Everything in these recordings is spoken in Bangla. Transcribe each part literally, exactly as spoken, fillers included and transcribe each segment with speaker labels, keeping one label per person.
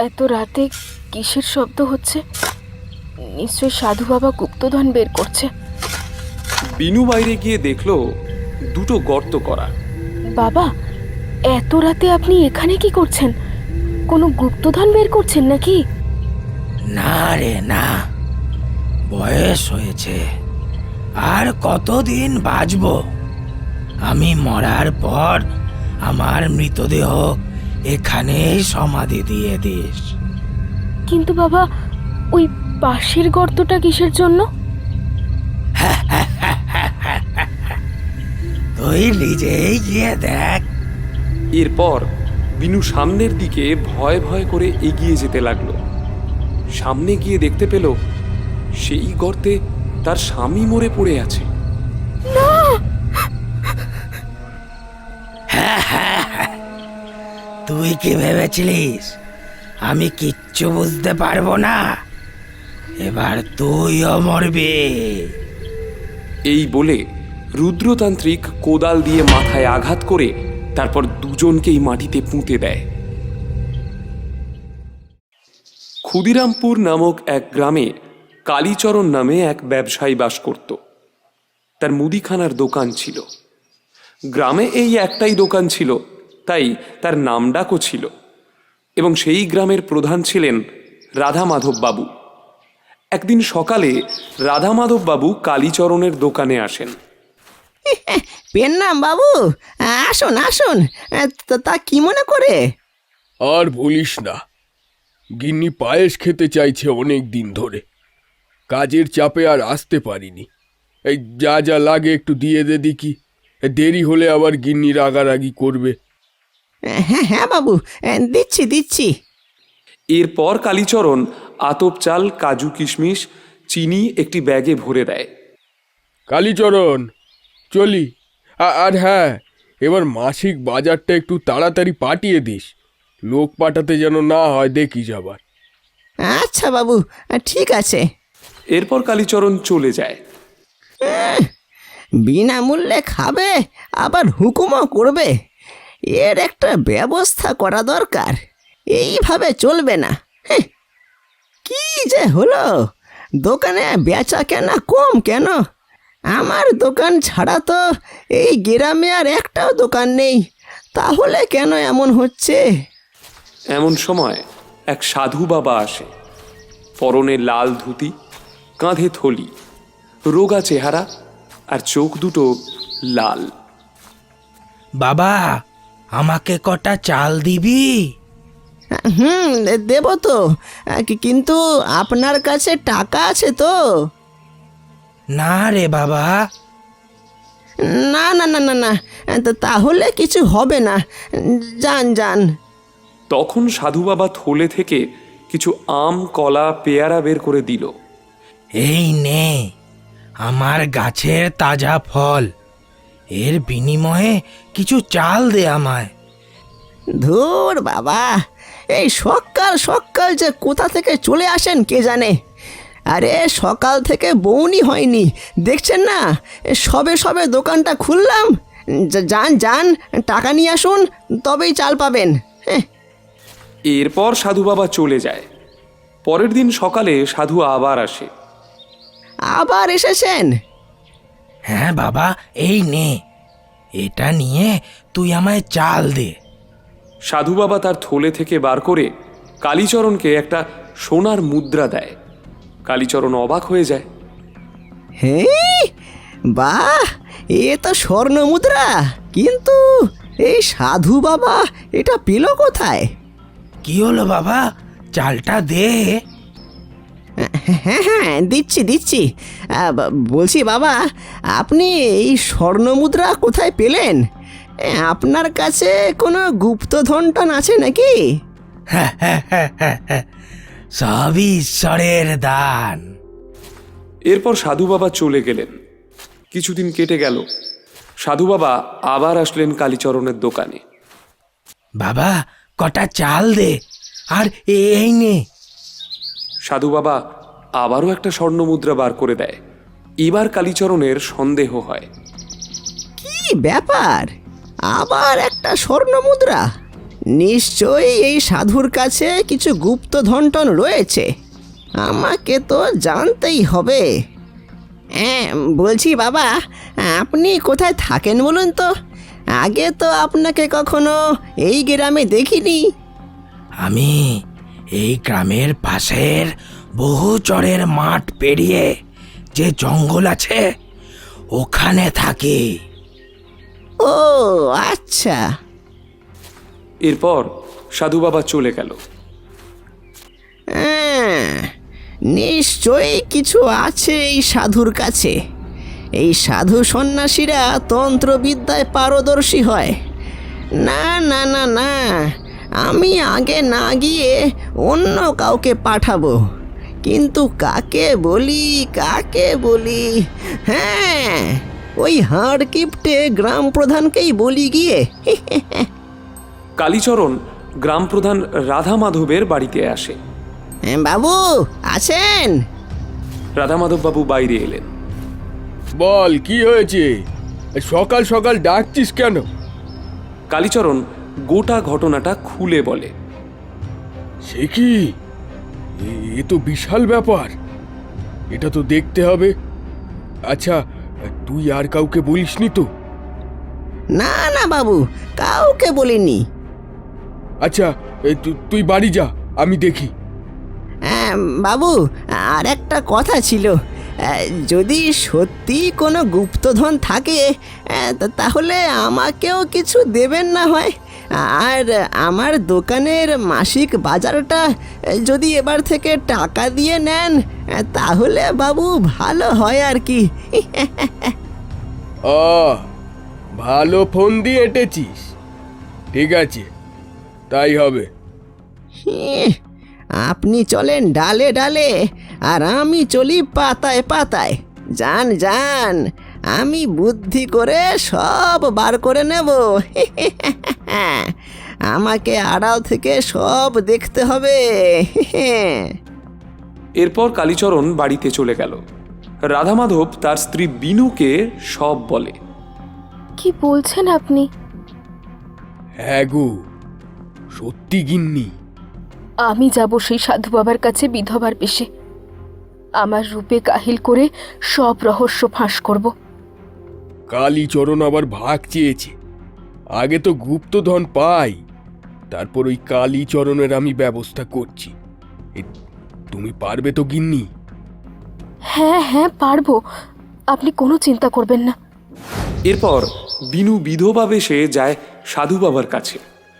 Speaker 1: এত রাতে কিসের শব্দ হচ্ছে? নিশ্চয় সাধু বাবা গুপ্তধন বের করছে।
Speaker 2: বিনু বাইরে গিয়ে দেখলো দুটো গর্ত করা।
Speaker 1: বাবা, এত রাতে আপনি এখানে কি করছেন? কোনো গুপ্তধন বের করছেন নাকি?
Speaker 3: না রে না, বয়স হয়েছে, আর কতদিন বাঁচব? আমি মরার পর আমার মৃতদেহ এখানেই সমাধি দিয়ে দিস।
Speaker 1: কিন্তু বাবা, ওই পাশের গর্তটা কিসের জন্য?
Speaker 3: তুই নিজেই গিয়ে দেখ।
Speaker 2: এরপর বিনু সামনের দিকে ভয় ভয় করে এগিয়ে যেতে লাগলো। সামনে গিয়ে দেখতে পেল সেই গর্তে তার স্বামী মরে পড়ে আছে।
Speaker 3: তুই কি ভেবেছিলিস আমি কিচ্ছু বুঝতে পারবো না? এবার তুইও মরবি।
Speaker 2: এই বলে রুদ্রতান্ত্রিক কোদাল দিয়ে মাথায় আঘাত করে তারপর দুজনকেই মাটিতে পুঁতে দেয়। ক্ষুদিরামপুর নামক এক গ্রামে কালীচরণ নামে এক ব্যবসায়ী বাস করত। তার মুদিখানার দোকান ছিল। গ্রামে এই একটাই দোকান ছিল, তাই তার নামডাকও ছিল। এবং সেই গ্রামের প্রধান ছিলেন রাধা মাধব বাবু। একদিন সকালে রাধা মাধব বাবু কালীচরণের দোকানে আসেন।
Speaker 4: পেন্নাম বাবু, আসুন আসুন। তা কি মনে করে?
Speaker 5: আর বলিস না, গিন্নি পায়েস খেতে চাইছে অনেক দিন ধরে। কাজের চাপে আর আসতে পারিনি। এই যা যা লাগে একটু দিয়ে দে দেখি, দেরি হলে আবার গিন্নি রাগারাগি করবে।
Speaker 4: হ্যাঁ হ্যাঁ বাবু, দিচ্ছি দিচ্ছি।
Speaker 2: এরপর কালীচরণ আতপ চাল, কাজু, কিশমিশ, চিনি একটি ব্যাগে ভরে দেয়।
Speaker 5: কালীচরণ, চলি। আর হ্যাঁ, এবার মাসিক বাজারটা একটু তাড়াতাড়ি পাঠিয়ে দিস। লোক পাঠাতে যেন না হয় দেখিস আবার।
Speaker 4: আচ্ছা বাবু, ঠিক আছে।
Speaker 2: এরপর কালীচরণ চলে যায়।
Speaker 4: বিনামূল্যে খাবে, আবার হুকুমও করবে। এর একটা ব্যবস্থা করা দরকার। এইভাবে চলবে না। কি যে হলো, দোকানে বেচা কেনা কম কেন? আমার দোকান ছাড়া তো এই গ্রামে আর একটাও দোকান নেই, তাহলে কেন এমন হচ্ছে?
Speaker 2: এমন সময় এক সাধু বাবা আসে। পরনে লাল ধুতি, কাঁধে থলি, রোগা চেহারা, আর চোখ দুটো লাল।
Speaker 3: বাবা, আমাকে কটা চাল দিবি?
Speaker 4: হুম, দেব তো, কিন্তু আপনার কাছে টাকা আছে তো?
Speaker 3: না রে বাবা।
Speaker 4: না না না না না, তাহলে কিছু হবে না। যান যান।
Speaker 2: তখন সাধু বাবা থলে থেকে কিছু আম, কলা, পেয়ারা বের করে দিল।
Speaker 3: এই নে, আমার গাছের তাজা ফল, এর বিনিময়ে কিছু চাল দে আমায়।
Speaker 4: ধুর বাবা, এই সকাল সকাল যে কোথা থেকে চলে আসেন কে জানে। আরে সকাল থেকে বউনি হয়নি, দেখছেন না? সবে সবে দোকানটা খুললাম। যান যান, টাকা নিয়ে আসুন, তবেই চাল পাবেন। হ্যাঁ।
Speaker 2: এরপর সাধু বাবা চলে যায়। পরের দিন সকালে সাধু আবার আসে।
Speaker 4: আবার এসেছেন?
Speaker 3: হ্যাঁ বাবা, এই নে, এটা নিয়ে তুই আমায় চাল দে।
Speaker 2: সাধু বাবা তার থলে থেকে বার করে কালীচরণকে একটা সোনার মুদ্রা দেয়। কালীচরণ অবাক হয়ে যায়।
Speaker 4: হ্যাঁ, বাহ, এ তো স্বর্ণ মুদ্রা। কিন্তু এই সাধু বাবা এটা পেল কোথায়?
Speaker 3: কি হলো বাবা, চালটা দে।
Speaker 4: হ্যাঁ হ্যাঁ, দিচ্ছি দিচ্ছি। বলছি বাবা, আপনি এই স্বর্ণ মুদ্রা কোথায় পেলেন? আপনার কাছে কোনো গুপ্তধন টন আছে নাকি?
Speaker 3: সবই ঈশ্বরের দান।
Speaker 2: এরপর সাধু বাবা চলে গেলেন। কিছুদিন কেটে গেল। সাধু বাবা আবার আসলেন কালীচরণের দোকানে।
Speaker 3: বাবা, কটা চাল দে, আর এই নে।
Speaker 2: সাধু বাবা আবারও একটা স্বর্ণ মুদ্রা বার করে দেয়। এবার কালীচরণের সন্দেহ হয়।
Speaker 4: কি ব্যাপার, আবার একটা স্বর্ণ মুদ্রা? নিশ্চয়ই এই সাধুর কাছে কিছু গুপ্তধন টন রয়েছে। আমাকে তো জানতেই হবে। হ্যাঁ, বলছি বাবা, আপনি কোথায় থাকেন বলুন তো? আগে তো আপনাকে কখনো এই গ্রামে দেখিনি।
Speaker 3: আমি এই গ্রামের পাশের বহু চরের মাঠ পেরিয়ে যে জঙ্গল আছে ওখানে থাকি।
Speaker 4: ও আচ্ছা।
Speaker 2: এরপর সাধু বাবা চলে গেল।
Speaker 4: হ্যাঁ, নিশ্চয়ই কিছু আছে এই সাধুর কাছে। এই সাধু সন্ন্যাসীরা তন্ত্রবিদ্যায় পারদর্শী হয়। না না না না, আমি আগে না গিয়ে অন্য কাউকে পাঠাবো। কিন্তু কাকে বলি কাকে বলি? হ্যাঁ, ওই হাড় কিপটে গ্রাম প্রধানকেই বলি গিয়ে।
Speaker 2: কালীচরণ গ্রাম প্রধান রাধা মাধবের বাড়িতে আসে।
Speaker 4: হ্যাঁ, বাবু আছেন?
Speaker 2: রাধা মাধব বাবু বাইরে এলেন।
Speaker 5: বল, কি হয়েছে? সকাল সকাল ডাকছিস কেন?
Speaker 2: কালীচরণ গোটা ঘটনাটা খুলে বলে।
Speaker 5: সে কি? এ- এ তো বিশাল ব্যাপার। এটা তো দেখতে হবে। আচ্ছা, তুই আর কাউকে বলিসনি তো?
Speaker 4: না না বাবু, কাউকে বলিনি।
Speaker 5: আচ্ছা, এ তু- তুই বাড়ি যা, আমি দেখি।
Speaker 4: হ্যাঁ, বাবু আর একটা কথা ছিল। আহ, যদি সত্যি কোনো গুপ্তধন থাকে আহ, তা- তাহলে আমাকেও কিছু দেবেন না হয়। আর আমার দোকানের মাসিক বাজারটা আহ, যদি এবার থেকে টাকা দিয়ে নেন আহ, তাহলে বাবু ভালো হয় আর কি।
Speaker 5: ও, ভালো ফোন দিয়ে এঁটেছিস। ঠিক আছে, তাই হবে।
Speaker 4: ইহ, আপনি চলেন ডালে ডালে আর আমি চলি পাতায় পাতায়। যান যান, আমি বুদ্ধি করে সব বার করে নেব। আমাকে আড়াল থেকে সব দেখতে হবে।
Speaker 2: এরপর কালীচরণ বাড়িতে চলে গেল। রাধা মাধব তার স্ত্রী বিনুকে সব বলে।
Speaker 1: কি বলছেন আপনি?
Speaker 5: হ্যাঁ গো, সত্যি গিন্নি।
Speaker 1: আমি যাব সেই সাধু বাবার কাছে বিধবার বেশে। আমার রূপে কাহিল করে সব রহস্য ফাঁস করব।
Speaker 5: কালীচরণ আবার ভাগ চেয়েছে। আগে তো গুপ্তধন পাই, তারপর ওই কালীচরণের আমি ব্যবস্থা করছি। এ, তুমি পারবে তো গিন্নি?
Speaker 1: হ্যাঁ হ্যাঁ পারবো, আপনি কোনো চিন্তা করবেন না।
Speaker 2: এরপর বিনু বিধবা বেশে যায় সাধু বাবার কাছে।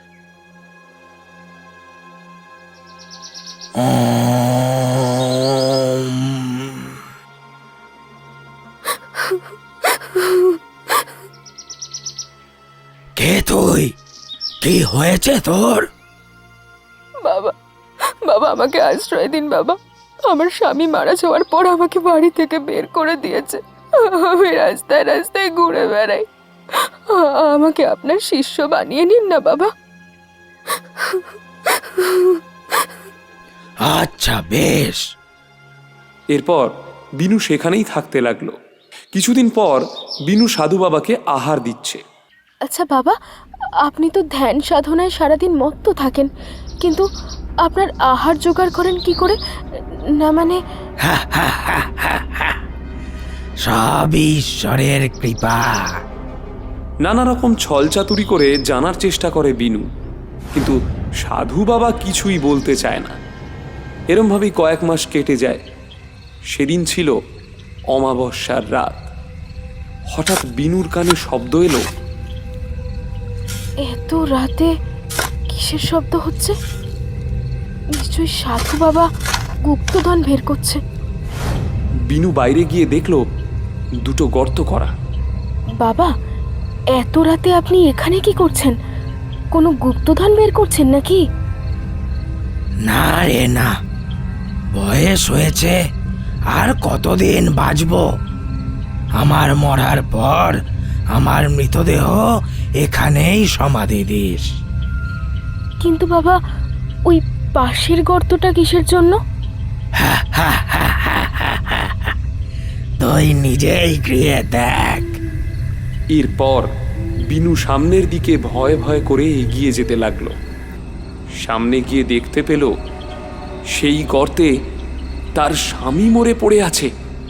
Speaker 3: কে তুই? কি হয়েছে তোর?
Speaker 1: বাবা, বাবা আমাকে আশ্রয় দিন বাবা। আমার স্বামী মারা যাওয়ার পর আমাকে বাড়ি থেকে বের করে দিয়েছে। আমি রাস্তায় রাস্তায় ঘুরে বেড়াই। আ- আমাকে আপনার শিষ্য বানিয়ে নিন না বাবা।
Speaker 3: আচ্ছা বেশ।
Speaker 2: এরপর বিনু সেখানেই থাকতে লাগলো। কিছুদিন পর বিনু সাধু বাবাকে আহার দিচ্ছে।
Speaker 1: আচ্ছা বাবা, আপনি তো ধ্যান সাধনায় সারাদিন মত্ত থাকেন, কিন্তু আপনার আহার জোগাড় করেন কি করে? না মানে
Speaker 3: সব ঈশ্বরের কৃপা।
Speaker 2: নানা রকম ছলচাতুরি করে জানার চেষ্টা করে বিনু, কিন্তু সাধু বাবা কিছুই বলতে চায় না। এরমভাবেই কয়েক মাস কেটে যায়। সেদিন ছিল অমাবস্যার রাত। হঠাৎ বিনুর কানে শব্দ এলো।
Speaker 1: এত রাতে কিসের শব্দ হচ্ছে? নিশ্চয়ই সাধু বাবা গুপ্তধন বের করছে।
Speaker 2: বিনু বাইরে গিয়ে দেখলো দুটো গর্ত করা।
Speaker 1: বাবা, এত রাতে আপনি এখানে কি করছেন? কোনো গুপ্তধন বের করছেন নাকি?
Speaker 3: না রে না, বয়স হয়েছে, আর কতদিন বাঁচবো? আমার মরার পর আমার মৃতদেহ এখানেই সমাধি দিস।
Speaker 1: কিন্তু বাবা, ওই পাশের গর্তটা কিসের জন্য?
Speaker 3: তুই নিজেই গিয়ে দেখ।
Speaker 2: এরপর বিনু সামনের দিকে ভয় ভয় করে এগিয়ে যেতে লাগলো। সামনে গিয়ে দেখতে পেল সেই গর্তে তার স্বামী মরে পড়ে আছে।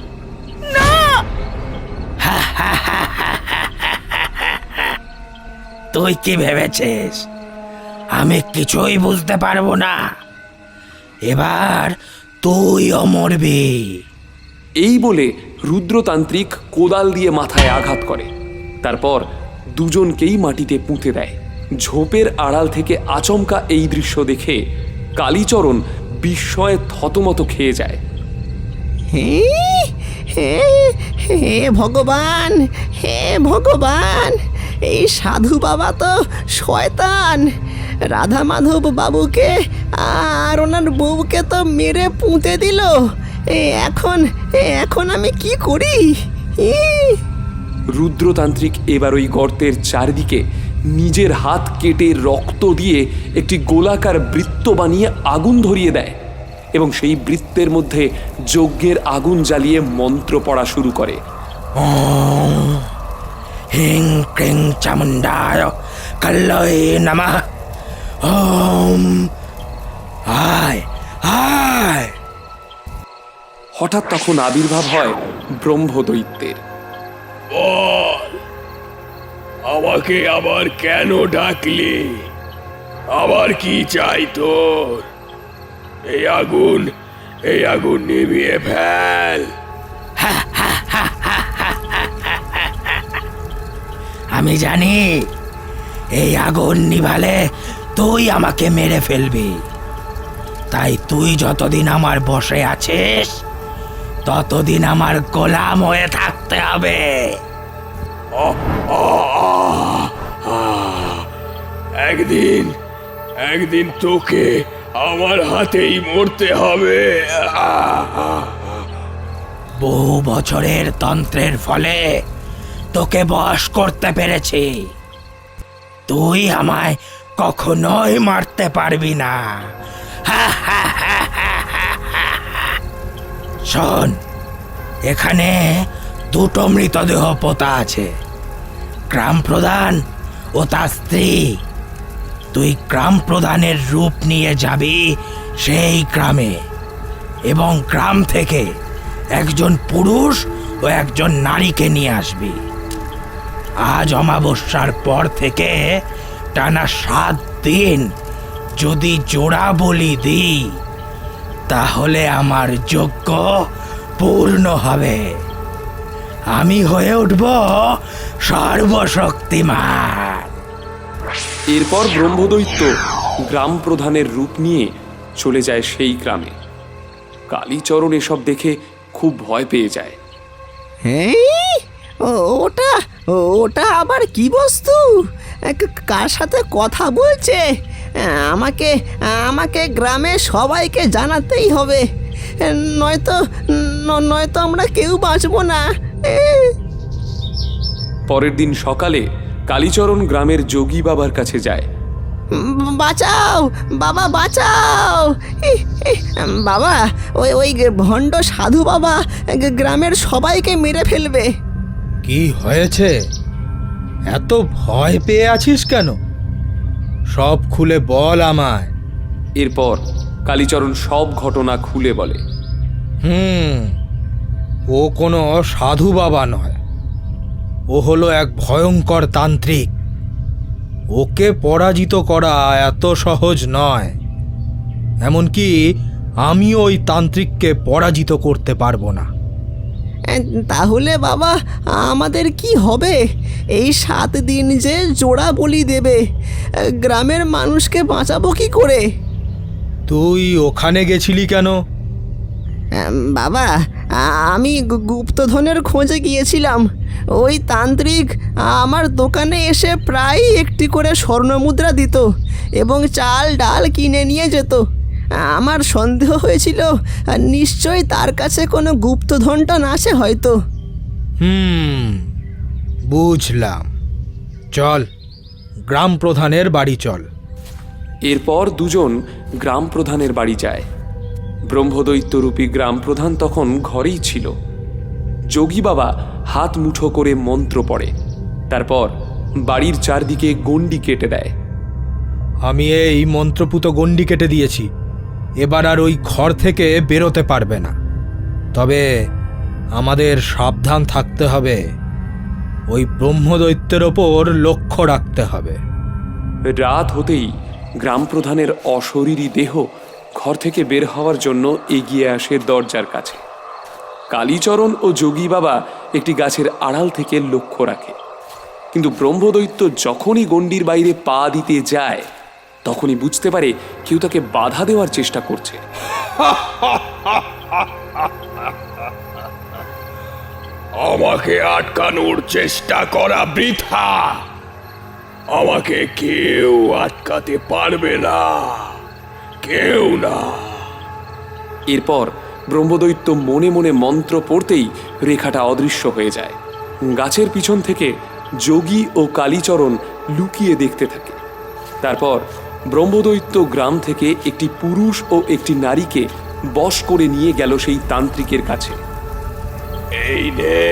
Speaker 3: তুই কি ভেবেছিস আমি কিছুই বুঝতে পারবো না? এবার তুইও মরবি।
Speaker 2: এই বলে রুদ্রতান্ত্রিক কোদাল দিয়ে মাথায় আঘাত করে। তারপর দুজনকেই মাটিতে পুঁতে দেয়। ঝোপের আড়াল থেকে আচমকা এই দৃশ্য দেখে কালীচরণ বিস্ময়ে থতমত খেয়ে যায়।
Speaker 4: হে হে হে ভগবান, হে ভগবান, এই সাধু বাবা তো শয়তান। রাধা মাধব বাবুকে আর ওনার বউকে তো মেরে পুঁতে দিল। এ এখন এ এখন আমি কি করি? ই!
Speaker 2: রুদ্রতান্ত্রিক এবার ওই গর্তের চারদিকে নিজের হাত কেটে রক্ত দিয়ে একটি গোলাকার বৃত্ত বানিয়ে আগুন ধরিয়ে দেয় এবং সেই বৃত্তের মধ্যে যজ্ঞের আগুন জ্বালিয়ে মন্ত্র পড়া শুরু করে।
Speaker 3: ওম হিং ক্রিং চামুণ্ডায় কাল্লয়ে নমঃ। ওম আয় আয়।
Speaker 2: হঠাৎ তখন আবির্ভাব হয় ব্রহ্মদৈত্যের।
Speaker 5: বল, আমাকে আবার কেন ডাকলি? আবার কি চাই তোর? এই আগুন এই আগুন নিভিয়ে ফেল।
Speaker 3: আমি জানি এই আগুন নিভালে তুই আমাকে মেরে ফেলবি, তাই তুই যতদিন আমার বসে আছিস ততদিন আমার গোলাম হয়ে থাকতে হবে।
Speaker 5: একদিন একদিন তোকে আমার হাতেই মরতে হবে।
Speaker 3: বহু বছরের তন্ত্রের ফলে তোকে বশ করতে পেরেছি। তুই আমায় কখনোই মারতে পারবি না। শোন, এখানে দুটো মৃতদেহ পোতা আছে, গ্রাম প্রধান ও তার স্ত্রী। তুই গ্রাম প্রধানের রূপ নিয়ে যাবি সেই গ্রামে এবং গ্রাম থেকে একজন পুরুষ ও একজন নারীকে নিয়ে আসবি। আজ অমাবস্যার পর থেকে টানা সাত দিন যদি জোড়া বলি দিই তাহলে আমার যজ্ঞ পূর্ণ হবে। আমি হয়ে উঠব সর্বশক্তিমান।
Speaker 2: এরপর ব্রহ্মদৈত্য গ্রাম প্রধানের রূপ নিয়ে চলে যায় সেই গ্রামে। কালীচরণ এসব দেখে খুব ভয় পেয়ে যায়।
Speaker 4: হ্যাঁ, ও- ওটা ওটা আবার কি বস্তু? ক- কার সাথে কথা বলছে? আমাকে আমাকে গ্রামে সবাইকে জানাতেই হবে, নয়তো ন- নয়তো আমরা কেউ বাঁচবো না। এ,
Speaker 2: পরের দিন সকালে কালীচরণ গ্রামের যোগী বাবার কাছে যায়।
Speaker 4: বাঁচাও বাবা, বাঁচাও! ইহ, ইহ, বাবা, ওই ওই ভণ্ড সাধু বাবা গ্রামের সবাইকে মেরে ফেলবে।
Speaker 6: কি হয়েছে? এত ভয় পেয়ে আছিস কেন? সব খুলে বল আমায়।
Speaker 2: এরপর কালীচরণ সব ঘটনা খুলে বলে।
Speaker 6: হুম, ও কোনো সাধু বাবা নয়, ও হলো এক ভয়ঙ্কর তান্ত্রিক। ওকে পরাজিত করা এত সহজ নয়। এমনকি আমিও ওই তান্ত্রিককে পরাজিত করতে পারবো না।
Speaker 4: এ, তাহলে বাবা আমাদের কি হবে? এই সাত দিন যে জোড়া বলি দেবে, গ্রামের মানুষকে বাঁচাবো কি করে?
Speaker 6: তুই ওখানে গেছিলি কেন?
Speaker 4: এম, বাবা, আ- আমি গু- গুপ্তধনের খোঁজে গিয়েছিলাম। ওই তান্ত্রিক আমার দোকানে এসে প্রায় একটি করে স্বর্ণমুদ্রা দিত এবং চাল ডাল কিনে নিয়ে যেত। আমার সন্দেহ হয়েছিল নিশ্চয়ই তার কাছে কোনো গুপ্তধনটন আছে হয়তো।
Speaker 6: হুম, বুঝলাম। চল, গ্রাম প্রধানের বাড়ি চল।
Speaker 2: এরপর দুজন গ্রাম প্রধানের বাড়ি যায়। ব্রহ্মদৈত্যরূপী গ্রাম প্রধান তখন ঘরেই ছিল। যোগী বাবা হাত মুঠো করে মন্ত্র পড়ে, তারপর বাড়ির চারদিকে গণ্ডি কেটে দেয়।
Speaker 6: আমি এই মন্ত্রপুত গণ্ডি কেটে দিয়েছি, এবার আর ওই ঘর থেকে বেরোতে পারবে না। তবে আমাদের সাবধান থাকতে হবে, ওই ব্রহ্মদৈত্যের ওপর লক্ষ্য রাখতে হবে।
Speaker 2: রাত হতেই গ্রাম প্রধানের অশরীরী দেহ ঘর থেকে বের হওয়ার জন্য এগিয়ে আসে দরজার কাছে। কালীচরণ ও যোগী বাবা একটি গাছের আড়াল থেকে লক্ষ্য রাখে, কিন্তু ব্রহ্মদৈত্য যখনই গণ্ডির বাইরে পা দিতে যায় তখনই বুঝতে পারে কেউ তাকে বাধা দেওয়ার চেষ্টা করছে।
Speaker 5: আমাকে আটকানোর চেষ্টা করা বৃথা। আমাকে কেউ আটকাতে পারবে না, কেউ না।
Speaker 2: এরপর ব্রহ্মদৈত্য মনে মনে মন্ত্র পড়তেই রেখাটা অদৃশ্য হয়ে যায়। গাছের পিছন থেকে যোগী ও কালীচরণ লুকিয়ে দেখতে থাকে। তারপর ব্রহ্মদৈত্য গ্রাম থেকে একটি পুরুষ ও একটি নারীকে বশ করে নিয়ে গেল সেই তান্ত্রিকের কাছে।
Speaker 5: এই নে।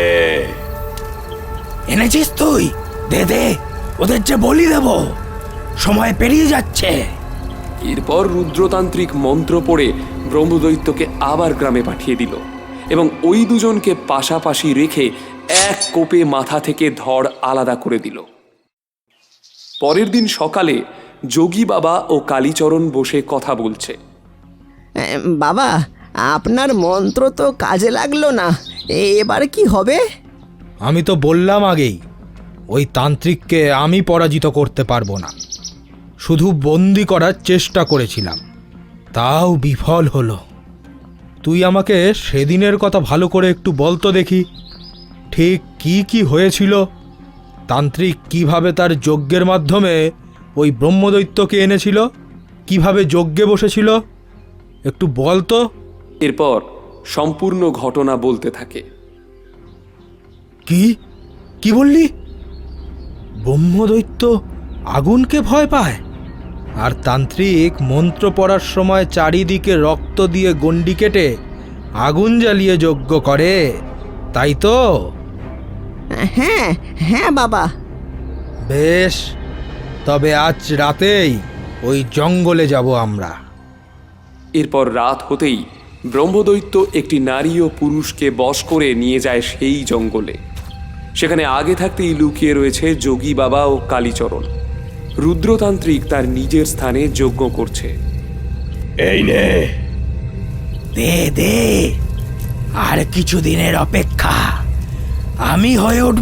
Speaker 3: এনেছিস তুই? দে দে, ওদের যে বলি দেব, সময় পেরিয়ে যাচ্ছে।
Speaker 2: এরপর রুদ্রতান্ত্রিক মন্ত্র পড়ে ব্রহ্মদৈত্যকে আবার গ্রামে পাঠিয়ে দিল এবং ওই দুজনকে পাশাপাশি রেখে এক কোপে মাথা থেকে ধড় আলাদা করে দিল। পরের দিন সকালে যোগী বাবা ও কালীচরণ বসে কথা বলছে।
Speaker 4: এম, বাবা, আপনার মন্ত্র তো কাজে লাগলো না, এবার কি হবে?
Speaker 6: আমি তো বললাম আগেই, ওই তান্ত্রিককে আমি পরাজিত করতে পারবো না। শুধু বন্দি করার চেষ্টা করেছিলাম, তাও বিফল হলো। তুই আমাকে সেদিনের কথা ভালো করে একটু বলতো দেখি, ঠিক কি কি হয়েছিল? তান্ত্রিক কিভাবে তার যজ্ঞের মাধ্যমে ওই ব্রহ্মদৈত্যকে এনেছিল, কিভাবে যজ্ঞে বসেছিল, একটু বলতো।
Speaker 2: এরপর সম্পূর্ণ ঘটনা বলতে থাকে।
Speaker 6: কি কি বললি? ব্রহ্মদৈত্য আগুনকে ভয় পায়, আর তান্ত্রিক মন্ত্র পড়ার সময় চারিদিকে রক্ত দিয়ে গণ্ডি কেটে আগুন জ্বালিয়ে যজ্ঞ করে, তাই তো?
Speaker 4: হ্যাঁ হ্যাঁ বাবা।
Speaker 6: বেশ, তবে আজ রাতেই ওই জঙ্গলে যাব আমরা।
Speaker 2: এরপর রাত হতেই ব্রহ্মদৈত্য একটি নারী ও পুরুষকে বশ করে নিয়ে যায় সেই জঙ্গলে। সেখানে আগে থাকতেই লুকিয়ে রয়েছে যোগী বাবা ও কালীচরণ। রুদ্রতান্ত্রিক তার নিজের স্থানে যজ্ঞ করছে।
Speaker 5: এই নে।
Speaker 3: দে দে, আর কিছুদিনের অপেক্ষা, আমি হয়ে উঠব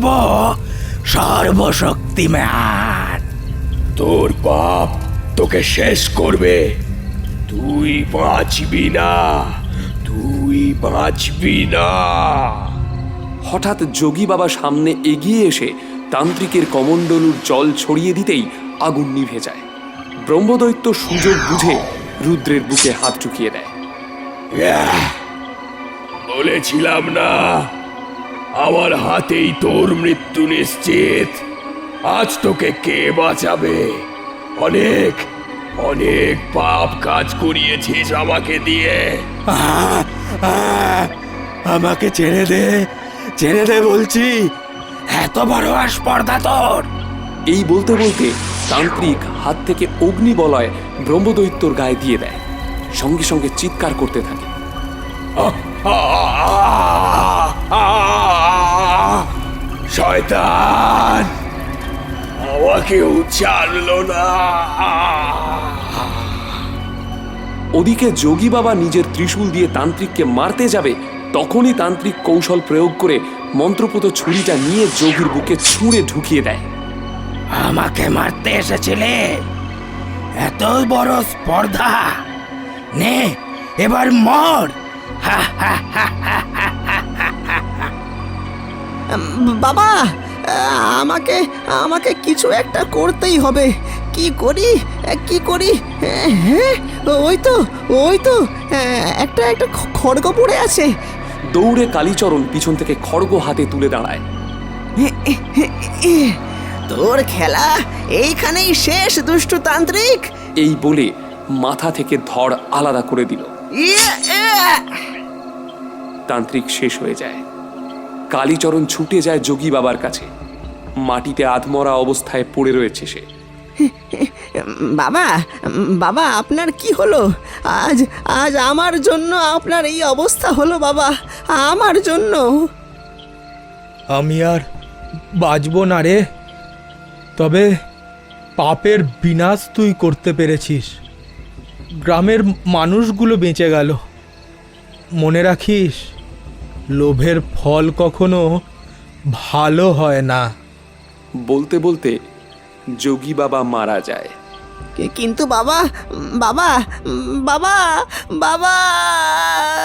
Speaker 3: সর্বশক্তিমান।
Speaker 5: তোর পাপ তোকে শেষ করবে। তুই বাঁচবি না, তুই বাঁচবি না।
Speaker 2: হঠাৎ যোগী বাবা সামনে এগিয়ে এসে তান্ত্রিকের কমণ্ডলুর জল ছড়িয়ে দিতেই আগুন নিভে যায়। ব্রহ্মদৈত্য সুযোগ বুঝে রুদ্রের বুকে হাত ঢুকিয়ে দেয়।
Speaker 5: ইয়াহ! বলেছিলাম না, আমার হাতেই তোর মৃত্যু নিশ্চিত। আজ তোকে কে বাঁচাবে? অনেক অনেক পাপ কাজ করিয়েছিস আমাকে দিয়ে।
Speaker 3: আহ, আহ, আমাকে ছেড়ে দে, ছেড়ে দে বলছি। এত বড় আসপর্দা তোর!
Speaker 2: এই বলতে বলতে তান্ত্রিক হাত থেকে অগ্নিবলয় ব্রহ্মদৈত্যর গায়ে দিয়ে দেয়। সঙ্গে সঙ্গে চিৎকার করতে থাকে।
Speaker 5: শয়তান আমাকেও ছাড়লো না।
Speaker 2: ওদিকে যোগী বাবা নিজের ত্রিশূল দিয়ে তান্ত্রিককে মারতে যাবে, তখনই তান্ত্রিক কৌশল প্রয়োগ করে মন্ত্রপুত ছুরিটা নিয়ে যোগীর বুকে ছুঁড়ে ঢুকিয়ে দেয়।
Speaker 3: আমাকে মারতে এসেছিলে? এত বড় স্পর্ধা? নে, এবার মর। হা হা হা হা হা হা হা।
Speaker 4: উম, বাবা, আমাকে আমাকে কিছু একটা করতেই হবে। কি করি কি করি? হ্যাঁ, ওই তো ওই তো একটা একটা খড়গ পড়ে আছে।
Speaker 2: দৌড়ে কালীচরণ পিছন থেকে খড়গ হাতে তুলে দাঁড়ায়।
Speaker 4: তোর খেলা এইখানেই শেষ, দুষ্টু তান্ত্রিক।
Speaker 2: এই বলে মাথা থেকে ধড় আলাদা করে দিল। তান্ত্রিক শেষ হয়ে যায়। কালীচরণ ছুটে যায় যোগী বাবার কাছে। মাটিতে আধমরা অবস্থায় পড়ে রয়েছে সে।
Speaker 4: বাবা বাবা আপনার কি হলো? আজ আজ আমার জন্য আপনার এই অবস্থা হলো বাবা, আমার জন্য।
Speaker 6: আমি আর বাঁচব না রে, তবে পাপের বিনাশ তুই করতে পেরেছিস। গ্রামের মানুষগুলো বেঁচে গেল। মনে রাখিস, লোভের ফল কখনো ভালো হয় না।
Speaker 2: বলতে বলতে যোগী বাবা মারা যায়।
Speaker 4: কিন্তু বাবা বাবা বাবা বাবা